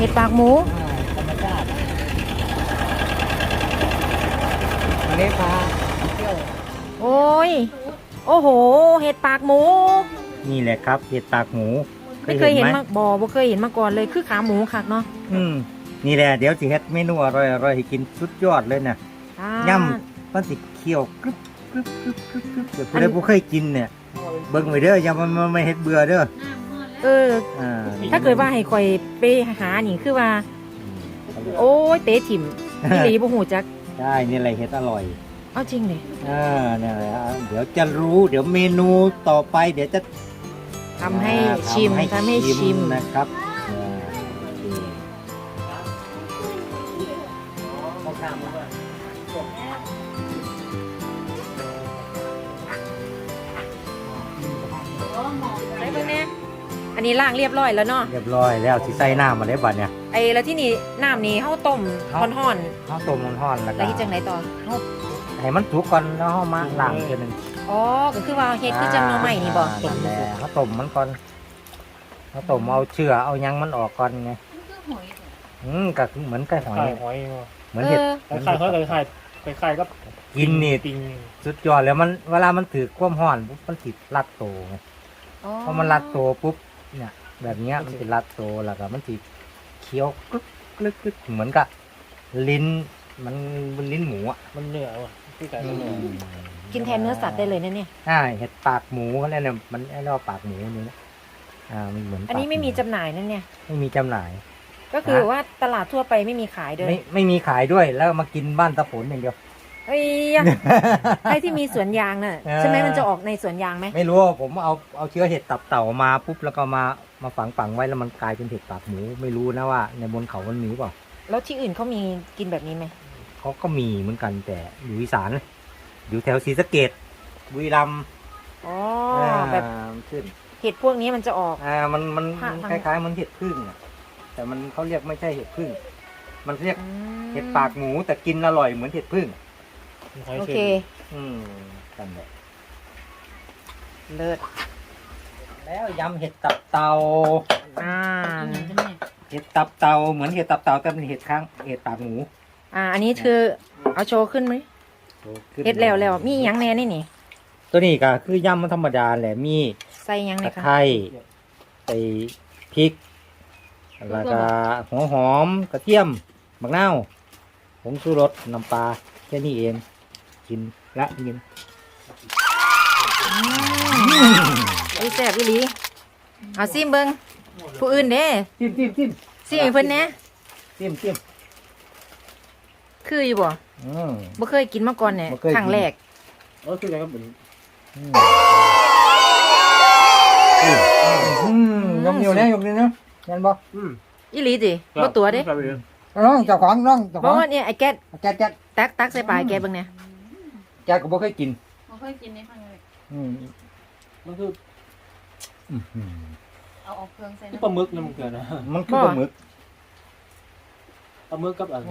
ดปากหมูธรรมชาติอันนี้พาเที่ยวโอ้ยโอ้โหเห็ดปากหมูนี่แหละครับเห็ดปากหมูไม่เคยเห็นมาบ่เคยเห็นมาก่อนเลยคือขาหมูคักเนาะนี่แหละเดี๋ยวสิเฮ็ดเมนูอร่อยให้กินสุดยอดเลยเนี่ยย่ำมันสิเคี่ยวกรึบกรึบกรึบกรึบกรึบเดี๋ยวผู้ใดบ่เคยกินเนี่ยเบิ่งไว้เด้ออย่ามันไม่เฮ็ดเบื่อเด้อถ้าเกิดว่าให้คอยไปหานี่คือว่าโอ้ยเตะถิ่มพี่ลีบ่หูจักใช่นี่แหละเฮ็ดอร่อยเอาจริงดินี่แหละเดี๋ยวจะรู้เดี๋ยวเมนูต่อไปเดี๋ยวจะทำให้ชิมนะครับได้เบิ่งแน่อันนี้ล้างเรียบร้อยแล้วเนาะเรียบร้อยแล้วสิใส่น้ำมาได้บัดเนี่ยแล้วที่นี่น้ำนี่เฮาต้มร้อนๆเฮาต้มร้อนๆแล้วก็จังได๋ต่อให้มันสุกก่อนแล้วเฮามาล้างอีกทีนึงก็คือว่าเฮ็ดคือจังหน่อไม้นี่บ่ต้มเฮาต้มมันก่อนเฮาต้มเอาเชื้อเอาหยังมันออกก่อนไงก็เหมือนไก่หอยเหมือนเห็ดไข่เขาเลยไข่ก็กินนี่สุดยอดแล้วมันเวลามันถือความร้อนปุ๊บมันติดรัดโตไงพอมันรัดโตปุ๊บเนี่ยแบบนี้มันติดรัดโตแล้วก็มันติดเคี้ยวกรึ๊บกรึ๊บกรึ๊บเหมือนกับลิ้นมันลิ้นหมูอ่ะมันเนื้อว่ะที่ไก่เนื้อกินแทนเนื้อสัตว์ได้เลยนะเนี่ยเห็ดปากหมูเขาเรียกเนี่ยมันเรียกว่าปากหมูนี่มันเหมือนอันนี้ไม่มีจำหน่ายนั่นเนี่ยไม่มีจำหน่ายก็คือว่าตลาดทั่วไปไม่มีขายด้วยไม่มีขายด้วยแล้วมากินบ้านตะผลอย่างเดียวไอ้ที่มีสวนยางน่ะใช่ไหมมันจะออกในสวนยางไหมไม่รู้ผมเอาเชื้อเห็ดตับเต่ามาปุ๊บแล้วก็มาฝังไว้แล้วมันกลายเป็นเห็ดปากหมูไม่รู้นะว่าในบนเขามันมีเปล่าแล้วที่อื่นเขามีกินแบบนี้ไหมเขาก็มีเหมือนกันแต่อยู่อีสานอยู่แถวศรีสะเกษบุรีรัมย์แบบเห็ดพวกนี้มันจะออกมันคล้ายๆมันเห็ดพึ่งแต่มันเขาเรียกไม่ใช่เห็ดพึ่งมันเรียกเห็ดปากหมูแต่กินอร่อยเหมือนเห็ดพึ่งโอเคกันเลยเลิศแล้วยำเห็ดตับเต่าเห็ดตับเต่าเหมือนเห็ดตับเต่าแต่เป็นเห็ดข้างเห็ดปากหมูอันนี้คือเอาโชว์ขึ้นไหมเห็ดแล้วมีหยังแน่นี่ตัวนี้ก็คือยำมันธรรมดาแหละมีใส่ยังไงคะตะไคร้ใส่พริกแล้วก็หัวหอมกระเทียมมะนาวผงชูรสน้ำปลาแค่นี้เองกินละกินแซ่บอีหลีเอาซิมเบิ้งผู้อื่นเด้ซิมซิมเพิ่นแน่ซิมคืออยู่บ่เคยกินมาก่อนเนี่ยครั้งแรกคืออะไรก็เป็นยกนิ้วนะยกนิ้วนะยันบ่อีหลีสิบ่ตัวเด้น้องเจ้าของเพราะว่าเนี่ยไอ้แก๊สตักใส่ปลาแก๊สเบิ่งเนี่ยแก๊สก็บ่เคยกินในครั้งแรกมันคือเอาออกเครื่องใส่ปลาหมึกนะมันเกิดนะมันคือปลาหมึกกับอะไร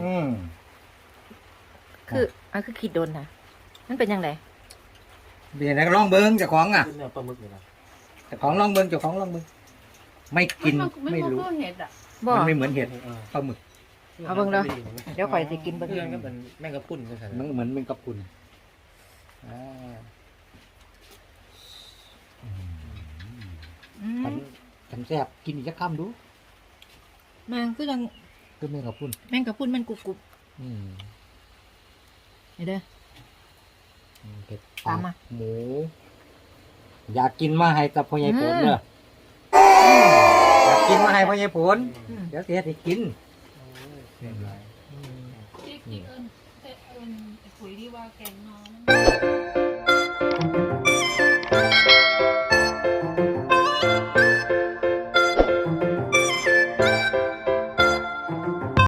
คือคิดโดนนะมันเป็นยังไงเดี๋ยวนะลองเบิ้งเจ้าของปลาหมึกเลยนะเจ้าของลองเบิ้งไม่กินไม่รู้มันไม่เหมือนเห็ดปลาหมึกเอาเบิ้งเดี๋ยวข่อยสิกินเบิ้งก็เป็นแมงกะพรุนมันเหมือนแมงกะพรุนฉันแซ่บกินอีกสักคำดูแมงคือยังคือแมงกะพรุนมันกรุบนี่เด้อเห็ดปากหมูอยากกินมาให้กับพ่อใหญ่ผลเด้ออยากกินมาให้พ่อใหญ่ผลเดี๋ยวเสียให้กินคุยที่ว่าแกงน้อง